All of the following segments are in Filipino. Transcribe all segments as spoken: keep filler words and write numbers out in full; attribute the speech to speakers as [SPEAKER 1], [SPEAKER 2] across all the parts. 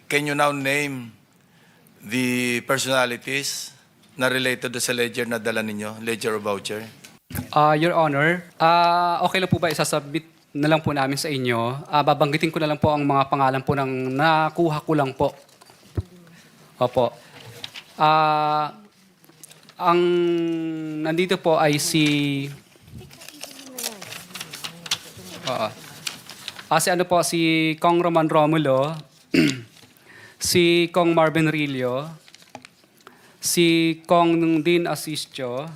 [SPEAKER 1] can you now name the personalities na related do sa ledger na dala ninyo, ledger or voucher?
[SPEAKER 2] Ah, Your Honor, ah, okay lang po ba isasubmit na lang po namin sa inyo? Ah, babanggitin ko na lang po ang mga pangalan po ng nakuha ko lang po. Opo. Ah, ang nandito po ay si Oo. Ah, si ano po, si Kong Roman Romulo, si Kong Marvin Rillo, si Kong Dean Asistio,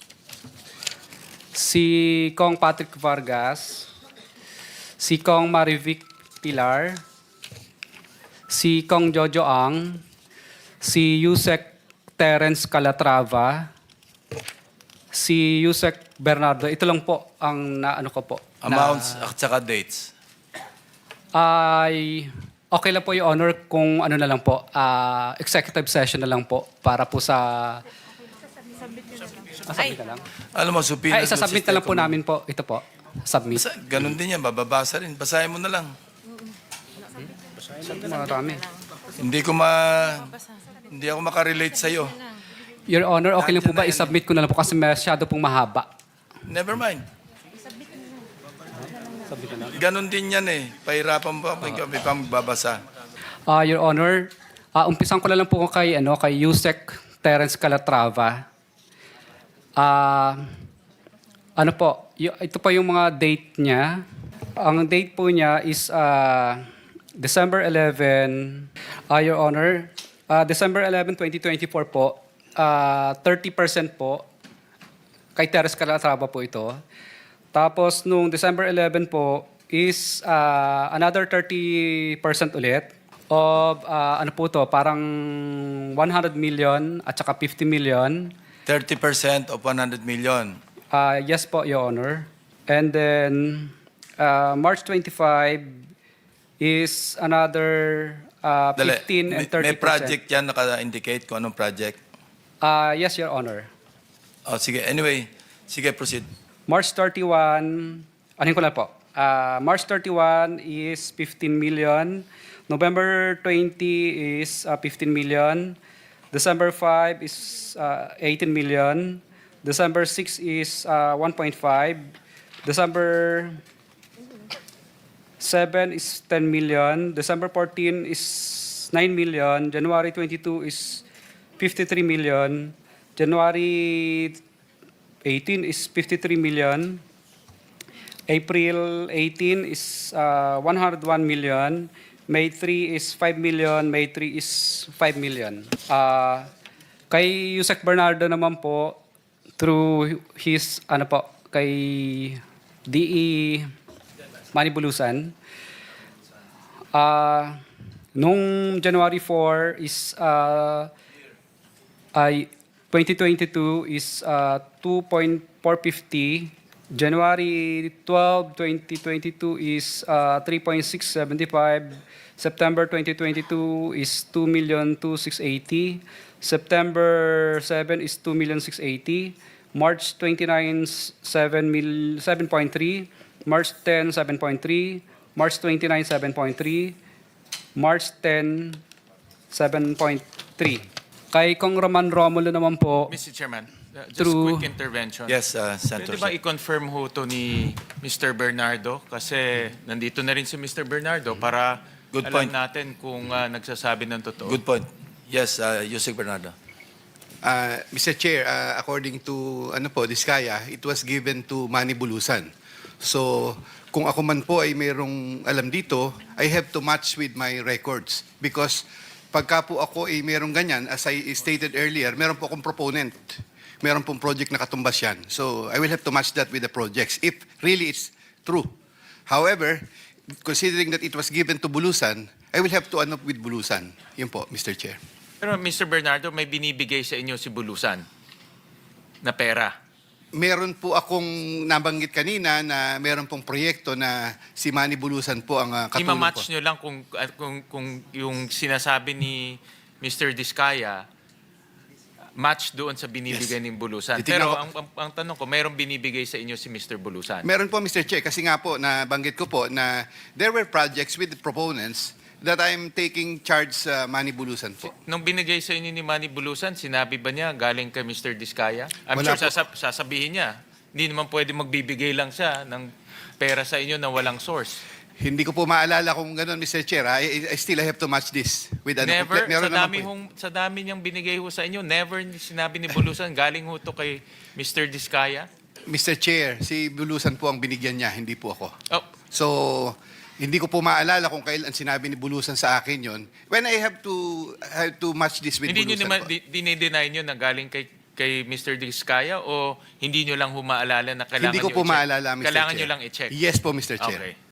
[SPEAKER 2] si Kong Patrick Vargas, si Kong Marivic Pilar, si Kong Jojo Ang, si Yusek Terence Calatrava, si Yusek Bernardo. Ito lang po ang naano ko po.
[SPEAKER 1] Amounts at saka dates.
[SPEAKER 2] Ay, okay lang po, Your Honor, kung ano na lang po, ah, executive session na lang po para po sa... Ah, submit na lang.
[SPEAKER 1] Alam mo, supina...
[SPEAKER 2] Ay, isasubmit na lang po namin po. Ito po. Submit.
[SPEAKER 1] Basa, ganun din yan, bababasa rin. Basahin mo na lang.
[SPEAKER 2] Marami.
[SPEAKER 1] Hindi ko ma... Hindi ako makarelate sa'yo.
[SPEAKER 2] Your Honor, okay lang po ba?
[SPEAKER 1] Nandiyan na yan.
[SPEAKER 2] I-submit ko na lang po kasi masyado pong mahaba.
[SPEAKER 1] Never mind.
[SPEAKER 2] Submit na lang.
[SPEAKER 1] Ganun din yan eh. Pahirapan mo, may, may pang babasa.
[SPEAKER 2] Ah, Your Honor, ah, umpisan ko na lang po kay, ano, kay Yusek Terence Calatrava. Ah, ano po, y- ito pa yung mga date niya. Ang date po niya is ah, December eleventh, ah, Your Honor, ah, December eleventh, twenty twenty-four po, ah, thirty percent po, kay Terence Calatrava po ito. Tapos nung December eleventh po is ah, another thirty percent ulit of ah, ano po to, parang one hundred million at saka fifty million.
[SPEAKER 1] thirty percent of one hundred million.
[SPEAKER 2] Ah, yes po, Your Honor. And then ah, March twenty-fifth is another ah,
[SPEAKER 1] Dali,
[SPEAKER 2] fifteen and
[SPEAKER 1] may-
[SPEAKER 2] thirty
[SPEAKER 1] May project yan naka-indicate kung anong project.
[SPEAKER 2] Ah, yes, Your Honor.
[SPEAKER 1] Oh, sige, anyway. Sige, proceed.
[SPEAKER 2] March thirty-first, anin ko na po. Ah, March thirty-first is fifteen million. November twentieth is ah, fifteen million. December fifth is ah, eighteen million. December sixth is ah, one point five. December seventh is ten million. December fourteenth is nine million. January twenty-second is fifty-three million. January eighteenth is fifty-three million. April eighteenth is uh, one hundred one million. May third is five million. May third is five million. Uh, kay Yusek Bernardo naman po, through his, ano po, kay D E Manibulusan, uh, nung January fourth is uh, ay twenty twenty-two is uh, two point four five zero. January twelfth, twenty twenty-two is uh, three point six seven five. September twenty twenty-two is two million two thousand six hundred eighty. September seventh is two million six hundred eighty. March twenty-ninth, seven point three. March tenth, seven point three. March twenty-ninth, seven point three. March tenth, seven point three. Kay Kong Roman Romulo naman po,
[SPEAKER 3] Mister Chairman, uh, just
[SPEAKER 2] Through-
[SPEAKER 3] quick intervention.
[SPEAKER 1] Yes, uh, Senator.
[SPEAKER 3] Pwede ba i-confirm ho to ni Mister Bernardo? Kasi nandito na rin si Mister Bernardo para
[SPEAKER 1] Good
[SPEAKER 3] alam
[SPEAKER 1] point.
[SPEAKER 3] natin kung uh, nagsasabi ng totoo.
[SPEAKER 1] Good point. Yes, uh, Yusek Bernardo.
[SPEAKER 4] Uh, Mister Chair, uh, according to ano po, Diskaya, it was given to Manny Bulusan. So, kung ako man po ay mayroong alam dito, I have to match with my records. Because pagka po ako ay mayroong ganyan, as I stated earlier, meron po akong proponent. Meron pong project na katumbas yan. So, I will have to match that with the projects if really it's true. However, considering that it was given to Bulusan, I will have to ano with Bulusan. Yun po, Mister Chair.
[SPEAKER 3] Pero Mister Bernardo, may binibigay sa inyo si Bulusan na pera.
[SPEAKER 4] Meron po akong nabanggit kanina na meron pong proyekto na si Manny Bulusan po ang uh, katulong po.
[SPEAKER 3] I-match nyo lang kung, at kung, kung yung sinasabi ni Mister Diskaya, match doon sa binibigay
[SPEAKER 4] Yes.
[SPEAKER 3] ni Bulusan.
[SPEAKER 4] Titignan
[SPEAKER 3] Pero
[SPEAKER 4] ko-
[SPEAKER 3] ang, ang, ang tanong ko, mayroong binibigay sa inyo si Mister Bulusan?
[SPEAKER 4] Meron po, Mister Chair, kasi nga po, nabanggit ko po na there were projects with the proponents that I'm taking charge sa Manny Bulusan po.
[SPEAKER 3] Nung binigay sa inyo ni Manny Bulusan, sinabi ba niya galing kay Mister Diskaya? I'm
[SPEAKER 4] Wala
[SPEAKER 3] sure
[SPEAKER 4] po.
[SPEAKER 3] sasab- sasabihin niya. Hindi naman pwede magbibigay lang siya ng pera sa inyo na walang source.
[SPEAKER 4] Hindi ko po maalala kung gano'n, Mister Chair. I, I still have to match this with ano.
[SPEAKER 3] Never,
[SPEAKER 4] meron
[SPEAKER 3] sa
[SPEAKER 4] naman
[SPEAKER 3] dami,
[SPEAKER 4] po eh.
[SPEAKER 3] hong, sa dami niyang binigay ho sa inyo, never ni- sinabi ni Bulusan, galing ho to kay Mister Diskaya?
[SPEAKER 4] Mister Chair, si Bulusan po ang binigyan niya, hindi po ako.
[SPEAKER 3] Oh,
[SPEAKER 4] So, hindi ko po maalala kung kailan sinabi ni Bulusan sa akin yon. When I have to have to match this with
[SPEAKER 3] hindi niyo
[SPEAKER 4] Bulusan
[SPEAKER 3] naman,
[SPEAKER 4] po.
[SPEAKER 3] di- dinideny niyo na galing kay kay Mister Diskaya o hindi niyo lang humaalala na kailangan
[SPEAKER 4] Hindi ko
[SPEAKER 3] niyo
[SPEAKER 4] po
[SPEAKER 3] i-check?
[SPEAKER 4] maalala, Mister
[SPEAKER 3] Kailangan
[SPEAKER 4] Chair.
[SPEAKER 3] niyo lang i-check?
[SPEAKER 4] Yes po, Mister Chair.
[SPEAKER 3] Okay.